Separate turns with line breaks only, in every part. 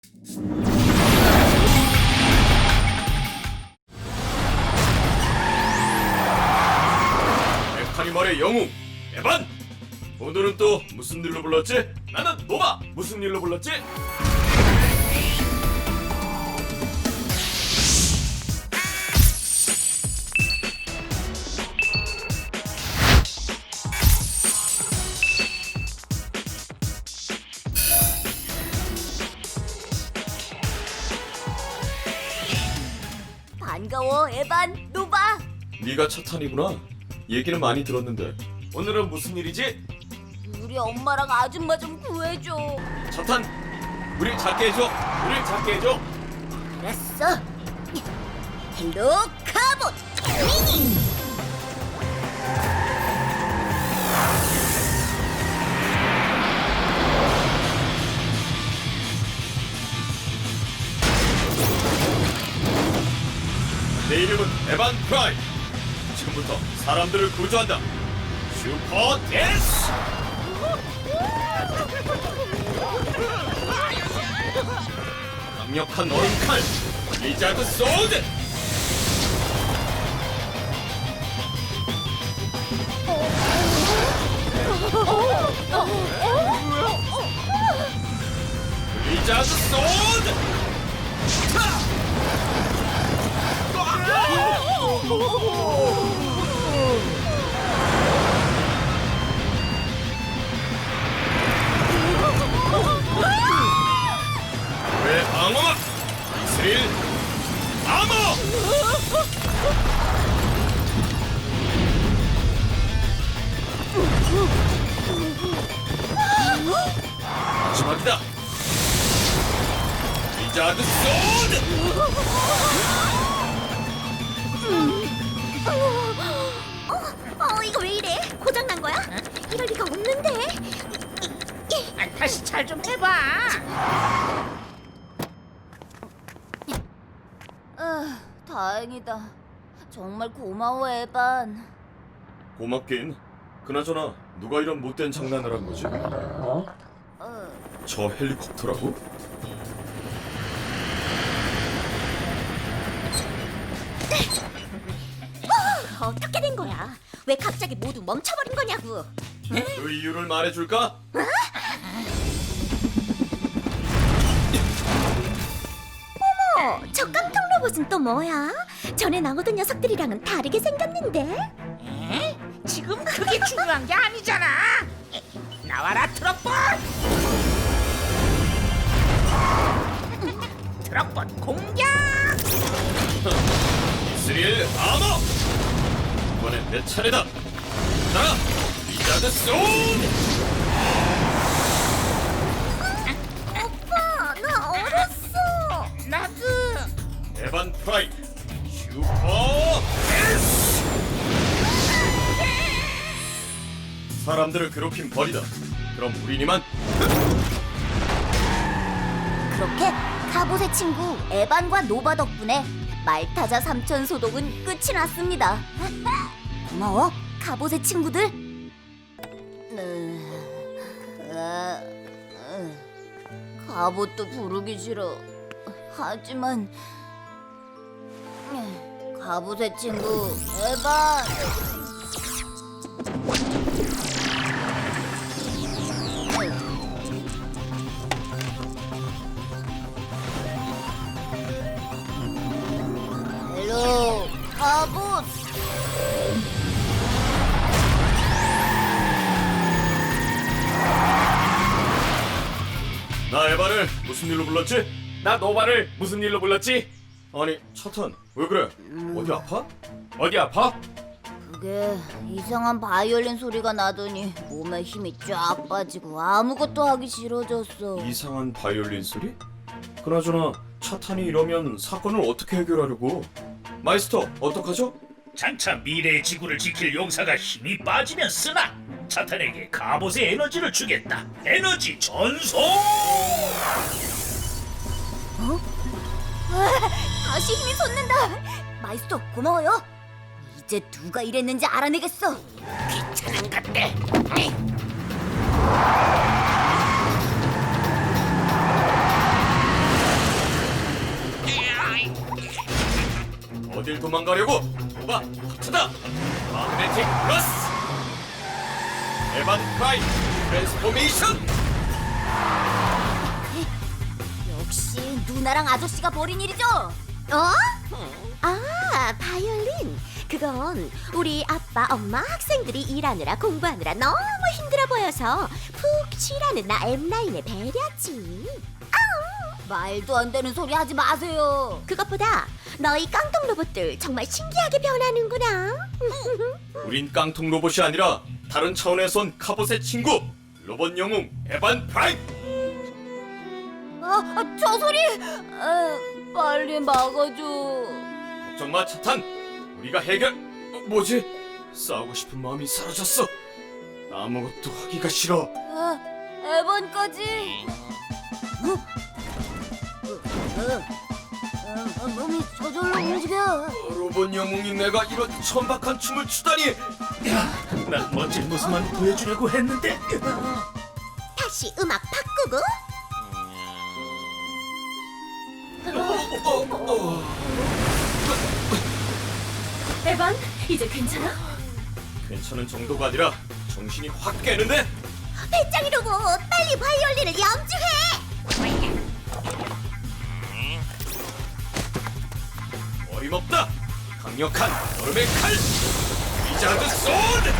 메카니멀의 영웅 에반! 오늘은 또 무슨 일로 불렀지? 나는 노바! 무슨 일로 불렀지?
반가워, 에반, 노바.
네가 차탄이구나. 얘기는 많이 들었는데 오늘은 무슨 일이지?
우리 엄마랑 아줌마 좀 구해줘.
차탄! 우리 작게 해줘! 우리 작게 해줘!
알았어. 헬로 카봇 미니.
내 이름은 에반 프라임. 지금부터 사람들을 구조한다. 슈퍼 댄스! 강력한 얼음칼 리자드 소드! 리자드 소드! 왜 방어막 이스릴 아머! 마지막이다. 리자드 소드!
이거 왜 이래? 고장 난 거야? 이럴 리가 없는데.
다시 잘 좀 해봐.
다행이다. 정말 고마워, 에반.
고맙긴. 그나저나 누가 이런 못된 장난을 한 거지? 저 헬리콥터라고?
어떻게 된 거야? 왜 갑자기 모두 멈춰버린 거냐고?
그 이유를 말해줄까?
저 깡통 로봇은 또 뭐야? 전에 나오던 녀석들이랑은 다르게 생겼는데?
에? 지금 그게 중요한 게 아니잖아. 나와라 트럭봇. 트럭봇 공격.
이스릴 아머! 이번엔 내 차례다. 나 리자드 소드!
오빠, 나 얼었어.
나도.
에반 프라임 슈퍼 댄스! 사람들을 괴롭힌 벌이다. 그럼 우린 이만.
그렇게 카봇의 친구 에반과 노바 덕분에 말타자 삼천 소독은 끝이 났습니다. 고마워, 카봇의 친구들. 카봇도 부르기 싫어. 하지만 카봇의 친구 에반. 헬로 카봇.
나 에반을 무슨 일로 불렀지? 나 노바를 무슨 일로 불렀지? 아니 차탄 왜 그래? 어디 아파? 어디 아파?
그게 이상한 바이올린 소리가 나더니 몸에 힘이 쫙 빠지고 아무것도 하기 싫어졌어.
이상한 바이올린 소리? 그나저나 차탄이 이러면 사건을 어떻게 해결하려고? 마이스터 어떡하죠?
장차 미래의 지구를 지킬 용사가 힘이 빠지면 쓰나 차탄에게 갑옷의 에너지를 주겠다. 에너지 전송!
다시 힘이 솟는다. 마이스터 고마워요. 이제 누가 이랬는지 알아내겠어.
귀찮은 것들.
어딜 도망가려고? 노바 합쳐다! 마그네틱 플러스! 에반 프라임 트랜스포메이션!
역시 누나랑 아저씨가 벌인 일이죠?
아, 바이올린. 그건 우리 아빠, 엄마, 학생들이 일하느라 공부하느라 너무 힘들어 보여서 푹 쉬라는 나 M라인의 배려지.
말도 안 되는 소리 하지 마세요.
그것보다 너희 깡통 로봇들 정말 신기하게 변하는구나.
우린 깡통 로봇이 아니라 다른 차원에서 온 카봇의 친구 로봇 영웅 에반 프라임!
저 소리! 빨리 막아줘.
걱정 마 차탄! 우리가 해결... 뭐지? 싸우고 싶은 마음이 사라졌어. 아무것도 하기가 싫어.
에반까지. 몸이 저절로 움직여.
로봇 영웅이 내가 이런 천박한 춤을 추다니.
난 멋진 모습만 보여주려고 했는데.
다시 음악 바꾸고.
에반, 이제 괜찮아?
괜찮은 정도가 아니라 정신이 확 깨는데.
배짱이 로봇, 빨리 바이올린을 염주해.
어림없다. 강력한 얼음의 칼. 리자드 소드.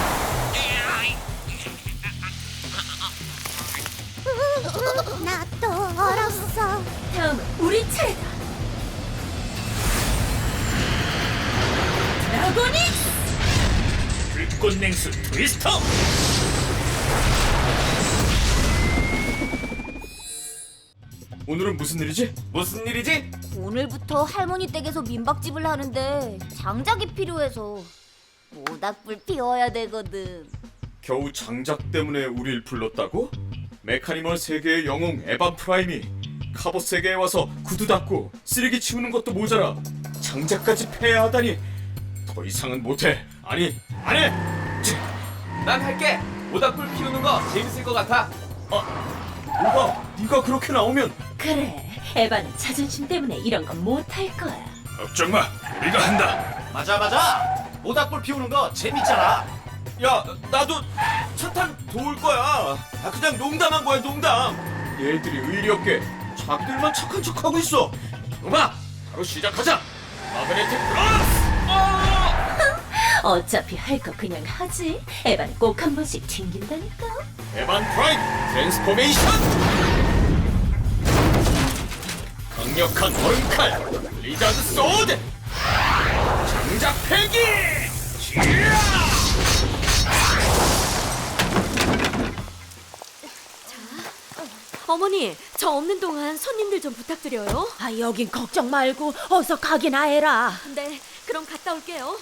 나 또 얼었어.
다음은 우리 차례다. 드라고닉스!
불꽃 냉수 트위스터.
오늘은 무슨 일이지? 무슨 일이지?
오늘부터 할머니 댁에서 민박집을 하는데 장작이 필요해서 모닥불 피워야 되거든.
겨우 장작 때문에 우릴 불렀다고? 메카니멀 세계의 영웅 에반 프라임이 카봇 세계에 와서 구두 닦고 쓰레기 치우는 것도 모자라 장작까지 패야하다니. 더 이상은 못해. 아니, 안 해!
난 할게. 모닥불 피우는 거 재밌을 것 같아.
오바, 네가 그렇게 나오면.
그래, 에반은 자존심 때문에 이런 건 못할 거야.
걱정 마, 우리가 한다.
맞아. 모닥불 피우는 거 재밌잖아.
야, 나도 차탄 도울 거야. 그냥 농담한 거야, 농담. 얘들이 의리 없게 자기들만 착한 척하고 있어. 음악, 바로 시작하자. 마그네틱 플러스!
어차피 할 거 그냥 하지. 에반은 꼭 한 번씩 튕긴다니까.
에반 프라임 트랜스포메이션! 강력한 얼음칼 리자드 소드! 장작 패기!
어머니, 저 없는 동안 손님들 좀 부탁드려요. 여긴 걱정 말고 어서 가기나 해라. 네, 그럼 갔다 올게요.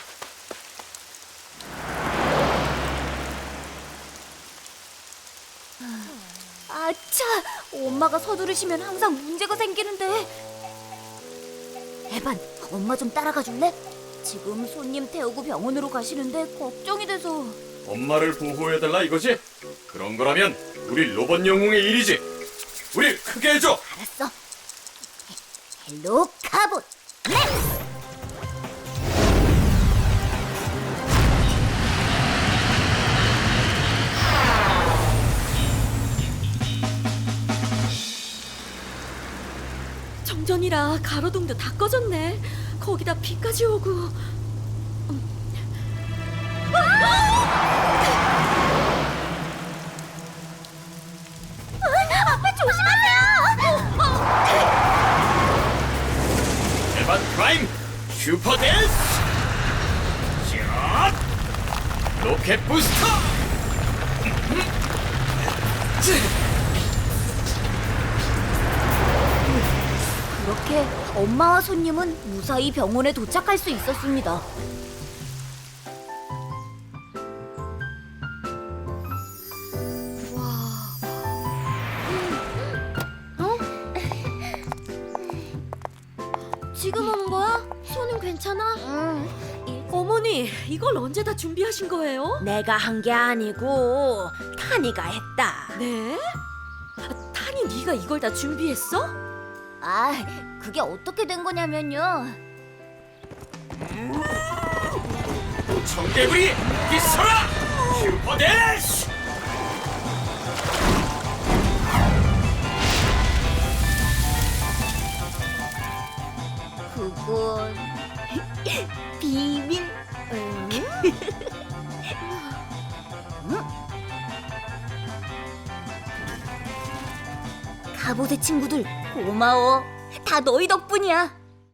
아차! 엄마가 서두르시면 항상 문제가 생기는데. 에반, 엄마 좀 따라가 줄래? 지금 손님 태우고 병원으로 가시는데 걱정이 돼서.
엄마를 보호해달라 이거지? 그런 거라면 우리 로봇 영웅의 일이지. 우리 크게 해줘.
알았어. 헬로 카봇 렛츠!
정전이라 가로등도 다 꺼졌네. 거기다 비까지 오고.
아빠 조심하세요.
에반 프라임 슈퍼 댄스! 샷! 로켓 부스터!
그렇게 엄마와 손님은 무사히 병원에 도착할 수 있었습니다.
지금 오는 거야? 손은 괜찮아? 어머니, 이걸 언제 다 준비하신 거예요?
내가 한 게 아니고 타니가 했다.
네? 타니 네가 이걸 다 준비했어?
아, 그게 어떻게 된 거냐면요.
청개구리 기서라 슈퍼대시.
그건 비밀. 갑옷의 친구들 고마워. 다 너희 덕분이야.